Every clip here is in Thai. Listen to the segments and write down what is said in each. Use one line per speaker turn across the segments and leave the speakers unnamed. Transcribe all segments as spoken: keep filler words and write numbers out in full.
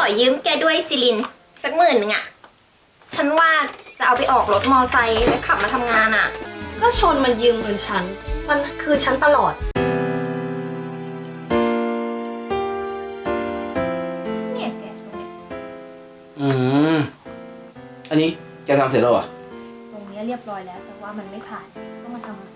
ยืมแกด้วยซิลินสักหมื่นหนึ่งอะฉันว่าจะเอาไปออกรถมอไซค์แล้วขับมาทำงานอะ
ก็ชนมันยืมเงินฉันมันคืนฉันตลอด
เนี่ยแกตรงนี้
อืมอันนี้แกทำเสร็จแล้วเหรอ
ตรงนี้เรียบร้อยแล้วแต่ว่ามันไม่ผ่านต้องมาทำใหม่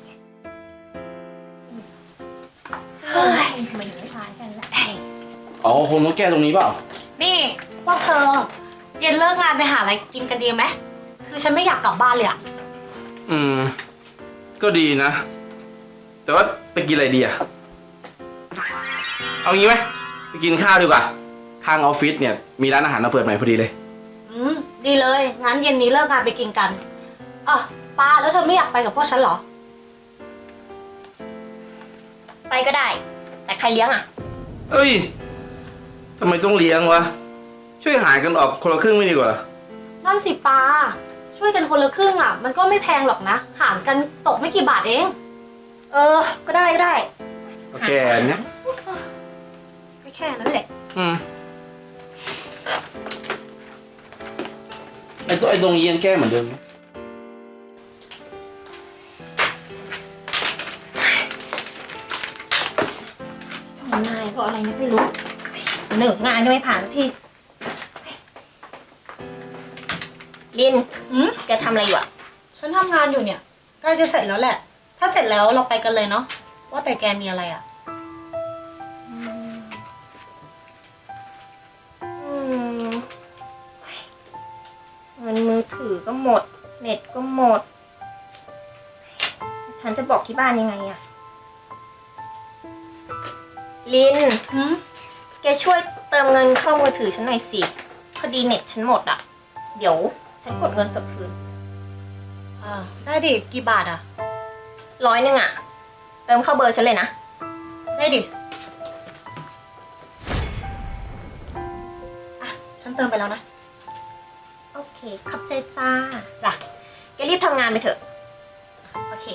เฮ้ยทำไมถึงไม่ผ่านกันล่ะ
อ๋อคงต้องแก้ตรงนี้เปล่า
นี่พวกเธอเย็นเลิกงานไปหาอะไรกินกันดีไหมคือฉันไม่อยากกลับบ้านเลยอะ
อืมก็ดีนะแต่ว่าไปกินอะไรดีอะเอางี้ไหมไปกินข้าวดีกว่าข้างออฟฟิศเนี่ยมีร้านอาหารมาเปิดใหม่พอดีเลย
อืมดีเลยงั้นเย็นนี้เลิกงานไปกินกันอ่ะป้าแล้วเธอไม่อยากไปกับพวกฉันเหรอ
ไปก็ได้แต่ใครเลี้ยงอะ
เอ้ยทำไมต้องเลี้ยงวะช่วยหารกันออกคนละครึ่งไม่ดีกว่าเหรอ
นั่นสิป้าช่วยกันคนละครึ่งอ่ะมันก็ไม่แพงหรอกนะหารกันตกไม่กี่บาทเอง
เออก็ได้ก็ได้
โอเคเนี้ย
ไม่แค่นั้นแหละ
อืมไอ้ตัวไอ้ตรงนี้ยังแก้เหมือนเดิม
ช่องนายก็อะไรนะไม่รู้เสนองานก็ไม่ผ่านที่ลิน
อืม
แกทำอะไรอยู่อ่ะ
ฉันทำงานอยู่เนี่ยใกล้จะเสร็จแล้วแหละถ้าเสร็จแล้วเราไปกันเลยเนาะว่าแต่แกมีอะไรอ่ะ
เงินมือถือก็หมดเน็ตก็หมดฉันจะบอกที่บ้านยังไงอะลินแกช่วยเติมเงินเข้ามือถือฉันหน่อยสิพอดีเน็ตฉันหมดอะเดี๋ยวฉันกดเงินสดคืน
อ่าได้ดิกี่บาทอะ
ร้อยหนึ่งอะเติมเข้าเบอร์ฉันเลยนะ
ได้ดิอ่ะฉันเติมไปแล้วนะ
โอเคขอบใจจ้าจ้ะแกรีบทำงานไปเถอะ
โอเค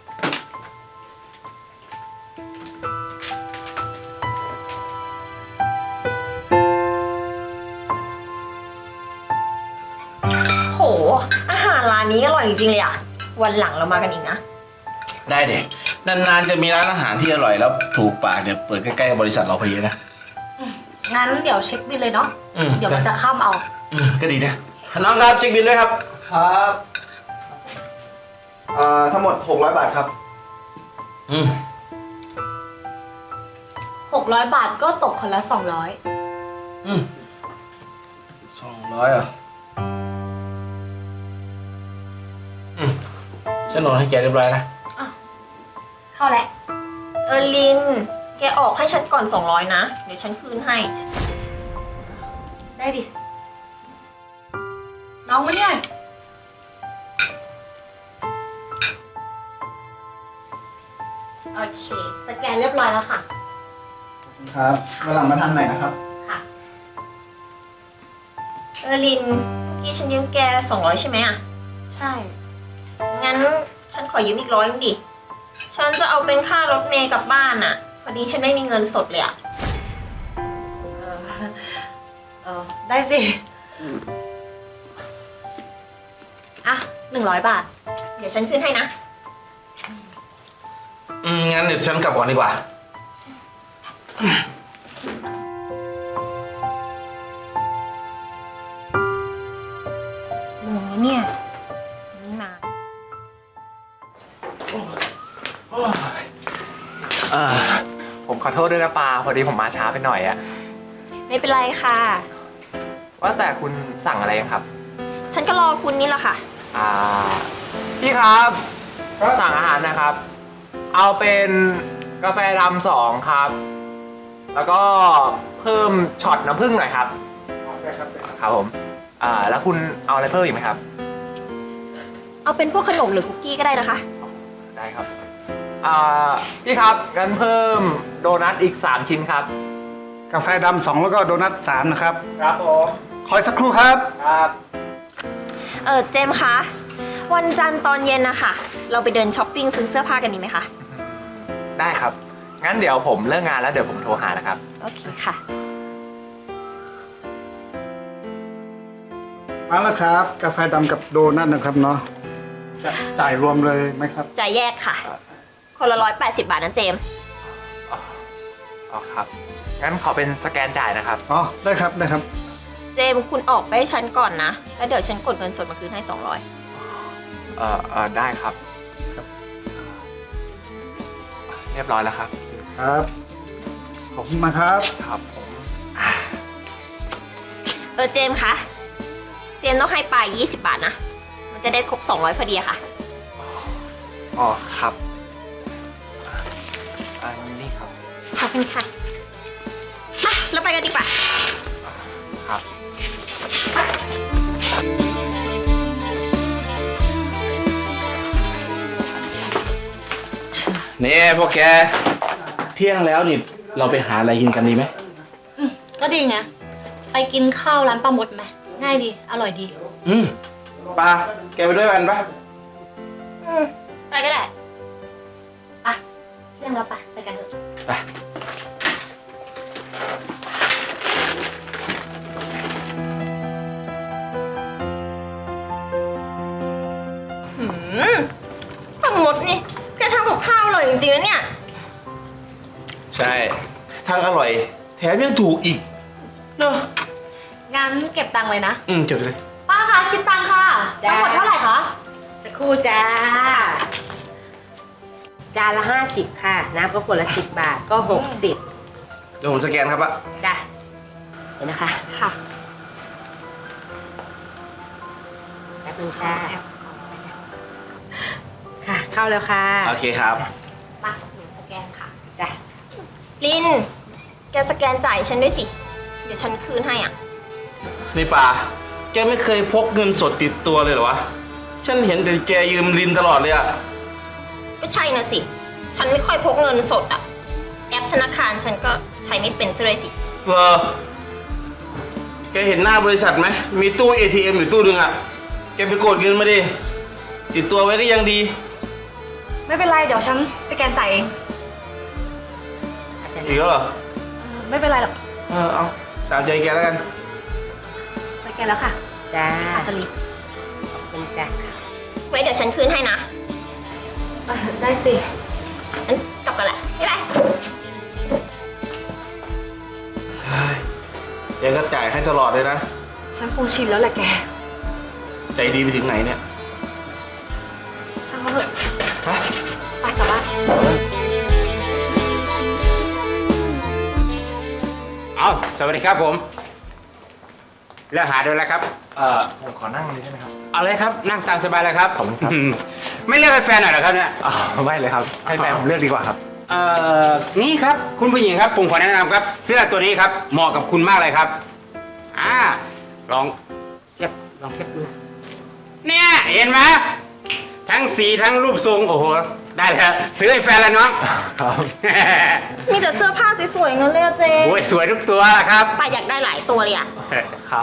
โหอาหารร้านนี้อร่อยจริงๆเลยอะวันหลังเรามากันอีกนะ
ได้เด็กนานๆจะมีร้านอาหารที่อร่อยแล้วถูกปากเนี่ยเปิดใกล้ๆบริษัทเราพอดีนะ
งั้นเดี๋ยวเช็คบิลเลยเนาะเดี๋ยวมันจะข้ามเอา
อืมก็ดีนะน้องครับเช็คบิลด้วยครับ
ครับอ่าทั้งหมดหกร้อยบาทครับ
อืม
หกร้อยบาทก็ตกคนละสองร้อย
อืมสองร้อยอ่ะอืมฉันโอนให้แกเรียบร้อยนะ
เข้าแล้ว
เออลินแกออกให้ฉันก่อนสองร้อยนะเดี๋ยวฉันคืนให้
ได้ดิน้องมาเนี่ยโอเคสแกนเรียบร้อยแล้วค่ะ
ครับวันหลังมาทานใหม่นะครับ
ค่ะ
เออลินเมื่อกี้ฉันยืมแกสองร้อยใช่ไหมอ่ะ
ใช่
งั้นฉันขอยืมอีกร้อยนึงดิฉันจะเอาเป็นค่ารถเมล์กลับบ้านอ่ะพอดีฉันไม่มีเงินสดเลยอ่ะ
เออเออได้สิอ่ะหนึ่งร้อยบาท
เดี๋ยวฉันคืนให้นะ
อืมงั้นเดี๋ยวฉันกลับก่อนดีกว่า
หนูเนี่ยนี่มา
อ่าผมขอโทษด้วยนะปาพอดีผมมาช้าไปหน่อยอะ
ไม่เป็นไรค่ะ
ว่าแต่คุณสั่งอะไรครับ
ฉันก็รอคุณนี่แหละค่ะ
อ่าพี่ครับสั่งอาหารนะครับ เอาเป็นกาแฟดำสองครับแล้วก็เพิ่มช็อตน้ำผึ้งหน่อยครับครับผมอ่าแล้วคุณเอาอะไรเพิ่มอีกไหมครับ
เอาเป็นพวกขนมหรือคุกกี้ก็ได้นะคะ
ได้ครับอ่าพี่ครับงั้นเพิ่มโดนัทอีกสามชิ้นครับ
กาแฟดำสองแล้วก็โดนัทสามนะครับ
ครับผม
คอยสักครู่ครับ
ครับ
เออเจมส์คะวันจันทร์ตอนเย็นนะคะเราไปเดินช้อปปิ้งซื้อเสื้อผ้ากันดีไหมคะ
ได้ครับงั้นเดี๋ยวผมเลิกงานแล้วเดี๋ยวผมโทรหานะครับ
โอเคค่ะ
มาแล้วครับ กาแฟดำกับโดนัทนะครับเนาะจะจ่ายรวมเลยไหมครับ
จ่ายแยกค่ะ คนละร้อยแปดสิบบาทนะเจมส์
อ๋อครับ งั้นขอเป็นสแกนจ่ายนะครับ
อ๋อ ได้ครับ ได้ครับ
เจมส์คุณออกไปให้ฉันก่อนนะ แล้วเดี๋ยวฉันกดเงินสดมาคืนให้สองร้อย
เอ่อเอ่อได้ครับ เรียบร้อยแล้วครับ
ครับ ขอบคุณมากครับ
ครับผม
เออเจมส์คะ เจมส์ต้องให้ปลายยี่สิบบาทนะ มันจะได้ครบสองร้อยพอดีอะค่ะ
อ๋อครับอันนี้ครับ
ขอบคุณค่ะอ่ะเราไปกันดีกว่า
ครับ
นี่พวกแก เที่ยงแล้วนี่เราไปหาอะไรกินกันดีไหม
อืมก็ดีไง ไปกินข้าวร้านปลาหมดไหมง่ายดี อร่อยดี
อืมปลาแกไปด้วยกันปะ
อืมไปก็ได้
อ่ะเที่ยงแล้วไปไปกันเถอะ
ไป
หืมปลาหมดนี่แกทำกับข้าวอร่อยจริงๆนะเนี่ย
ใช่ทั้งอร่อย แถมยังถูกอีกเนอะ
งั้นเก็บตังค์เลยนะ
อืมจดเลย
ป้าคะคิดตังค์ค่ะ
จ้า
ทั้งหมดเท่าไหร่คะ
สักครู่จ้า จานละห้าสิบค่ะ น้ำก็ขวดละสิบบาทก็หกสิบ
เดี๋ยวผมสแกนครับปะ
จ้ะเห็นนะคะ
ค่ะ
แป๊บนึงค่ะค่ะ เข้าแล้วค่ะ
โอเคครับ
มาหนูสแกนค่ะ
จ้ะ
ลิน แกสแกนจ่ายฉันด้วยสิ เดี๋ยวฉันคืนให้อ่ะ
นี่ปลาแกไม่เคยพกเงินสดติดตัวเลยเหรอวะ ฉันเห็นแต่แกยืมลินตลอดเลยอะ
ก็ใช่นะสิ ฉันไม่ค่อยพกเงินสดอ่ะ แอปธนาคารฉันก็ใช้ไม่เป็นซะเลยสิ
เออแกเห็นหน้าบริษัทไหม มีตู้ เอ ที เอ็ม อยู่ตู้หนึงอะแกไปกดเงินมาดิ ติดตัวไว้ก็ยังดี
ไม่เป็นไร เดี๋ยวฉันสแกนจ่ายเอง
อีกแล้วเหรอ
ไม่เป็นไรหรอก
เออเอาตามใจแกแล้วกัน
สแกนแล้วค่ะ
จ้า
ค่าสลิป
ขอบคุณจ้ะ
ไว้เดี๋ยวฉันคืนให้นะ
อ่ะได้สิ
งั้นกลับกันแหละบ๊ายบาย
แกก็จ่ายให้ตลอดเลยนะ
ฉันคงชินแล้วแหละแก
ใจดีไปถึงไหนเนี่ย
ช่างเขาเถอะ
ฮะ
ไปกลับบ้าน
เอาสวัสดีครับผมเลือกหาดูแล้วครับ
เอ่อผมขอนั่งเลยได้ไหมครับ
เอาเลยครับ นั่งตามสบายเลยครับ
ขอบคุณครับ
อืมไม่เลือกให้แฟนหน่อยเหรอครับเนี่ย
อ๋อไม่เลยครับ ให้แฟนผมเลือกดีกว่าครับ
เอ่อ นี่ครับ คุณผู้หญิงครับ ผมขอแนะนำครับ เสื้อตัวนี้ครับ เหมาะกับคุณมากเลยครับ อ่า ลองเทียบลองเทียบดู เนี่ย เห็นไหมทั้งสีทั้งรูปทรง โอ้โห ได้เลยครับซื้อให้แฟนแล้วน้อง
ครับ
มีแต่เสื้อผ้าสวยๆงั้นเลยอะเจ
โอ้ยสวยทุกตัวละครับ
ป้าอยากได้หลายตัวเลยอะ
ครับ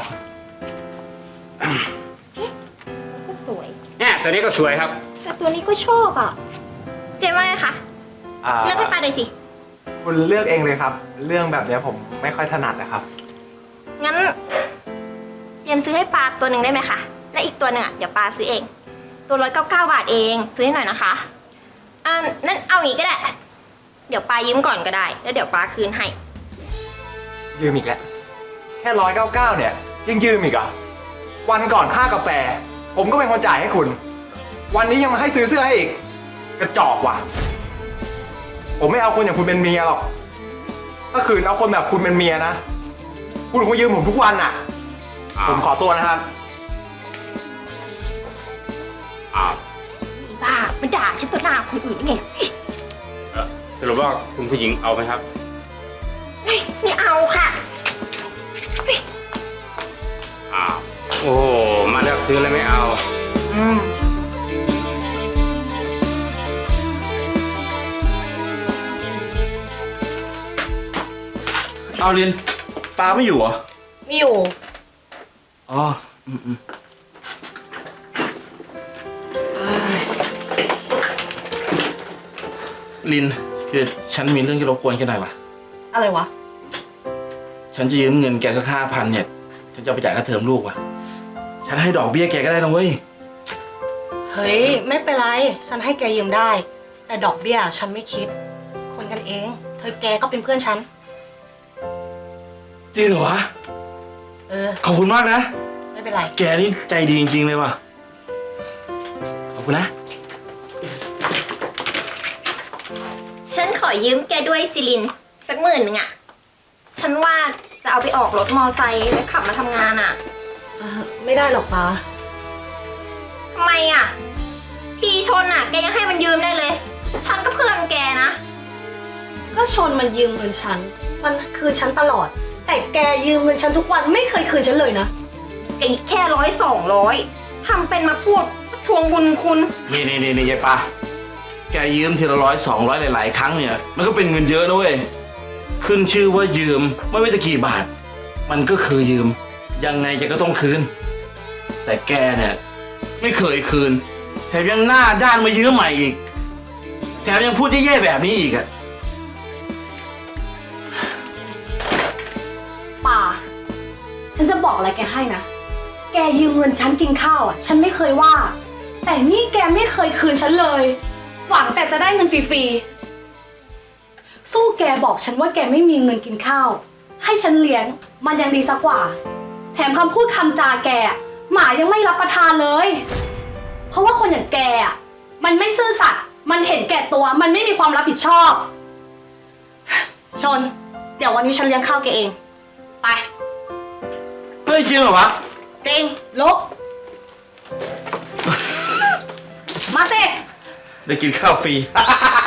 ก็สวย
เนี่ยตัวนี้ก็สวยครับ
แต่ตัวนี้ก็ชอบอะเจว่าไงคะ
อ่า
เลือกให้ป้าหน่อยสิ
คุณเลือกเองเลยครับ เรื่องแบบเนี้ยผมไม่ค่อยถนัดนะครับ
งั้น เจมส์ซื้อให้ปาตัวหนึ่งได้ไหมคะ และอีกตัวหนึ่งอ่ะเดี๋ยวปาซื้อเอง ตัวร้อยเก้าเก้าบาทเอง ซื้อให้หน่อยนะคะอ่านั่นเอาอย่างนี้ก็ได้ เดี๋ยวปายืมก่อนก็ได้ แล้วเดี๋ยวปาคืนให้
ยืมอีกแล้ว แค่ร้อยเก้าเก้าเนี่ยยังยืมอีกเหรอวันก่อนค่ากาแฟ ผมก็เป็นคนจ่ายให้คุณ วันนี้ยังมาให้ซื้อเสื้อให้อีก กระจอกว่ะ ผมไม่เอาคนอย่างคุณเป็นเมียหรอกถ้าคืนเอาคนแบบคุณเป็นเมียนะ คุณคงยืมผมทุกวันอ่ะ ผมขอตัวนะครับ
อ้าว
บ้ามันด่าฉันต่อหน้าคนอื่นได้ไง
เอ่อสรุปว่าคุณผู้หญิงเอาไหมครับ
เฮ้ยไม่เอาค่ะ
อ้าว โอ้โห มาเลือกซื้อเลยไม่เอา
อืม
เอาลินปลาไม่อยู่เหรอ
มีอยู่
อ๋อ อืมอืมลิน คือฉันมีเรื่องที่รบกวนแค่หน่อยวะ
อะไรวะ
ฉันจะยืมเงินแกสักห้าพันเนี่ย ฉันจะเอาไปจ่ายค่าเทอมลูกว่ะ ฉ
ฉันให้ดอกเบี้ยแกก็ได้นะเว้ย
เฮ้ย ไม่เป็นไร ฉันให้แกยืมได้ แต่ดอกเบี้ยฉันไม่คิด คนกันเอง เธอแกก็เป็นเพื่อนฉัน
จริงเหรอวะ
เออ
ขอบคุณมากนะ
ไม่เป็นไร
แกนี่ใจดีจริงๆเลยว่ะ ขอบคุณนะ
ฉันขอยืมแกด้วยซิลิน สักหมื่นหนึ่งอะฉันว่าจะเอาไปออกรถมอไซค์แล้วขับมาทำงานอะ
ไม่ได้หรอกป้า
ทำไมอะพี่ชนอะแกยังให้มันยืมได้เลย ฉันก็เพื่อนแกนะ
ก็ชนมันยืมเงินฉัน มันคืนฉันตลอด แต่แกยืมเงินฉันทุกวันไม่เคยคืนฉันเลยนะ
แกอีกแค่ร้อยสองร้อยทำเป็นมาพูดทวงบุญคุณ
นี่นี่นี่นี่ยายปาแกยืมทีละร้อยสองร้อยหลายๆครั้งเนี่ย มันก็เป็นเงินเยอะนะเว้ย ขึ้นชื่อว่ายืมไม่ว่าจะกี่บาท มันก็คือยืม ยังไงแกก็ต้องคืน แต่แกเนี่ยไม่เคยคืน แถมยังหน้าด้านมายืมใหม่อีก แถมยังพูดแย่ๆแบบนี้อีกอะ
ป่า ฉันจะบอกอะไรแกให้นะ แกยืมเงินฉันกินข้าวอ่ะ ฉันไม่เคยว่า แต่นี่แกไม่เคยคืนฉันเลย หวังแต่จะได้เงินฟรีๆ สู้แกบอกฉันว่าแกไม่มีเงินกินข้าว ให้ฉันเลี้ยง มันยังดีสักกว่า แถมคำพูดคำจาแกอะหมายังไม่รับประทานเลย เพราะว่าคนอย่างแกอ่ะ มันไม่ซื่อสัตย์ มันเห็นแก่ตัว มันไม่มีความรับผิดชอบ ชน เดี๋ยววันนี้ฉันเลี้ยงข้าวแกเอง ไป
เฮ้ยจริงเหรอวะ
จริงลุก มาสิ
ได้กินข้าวฟรี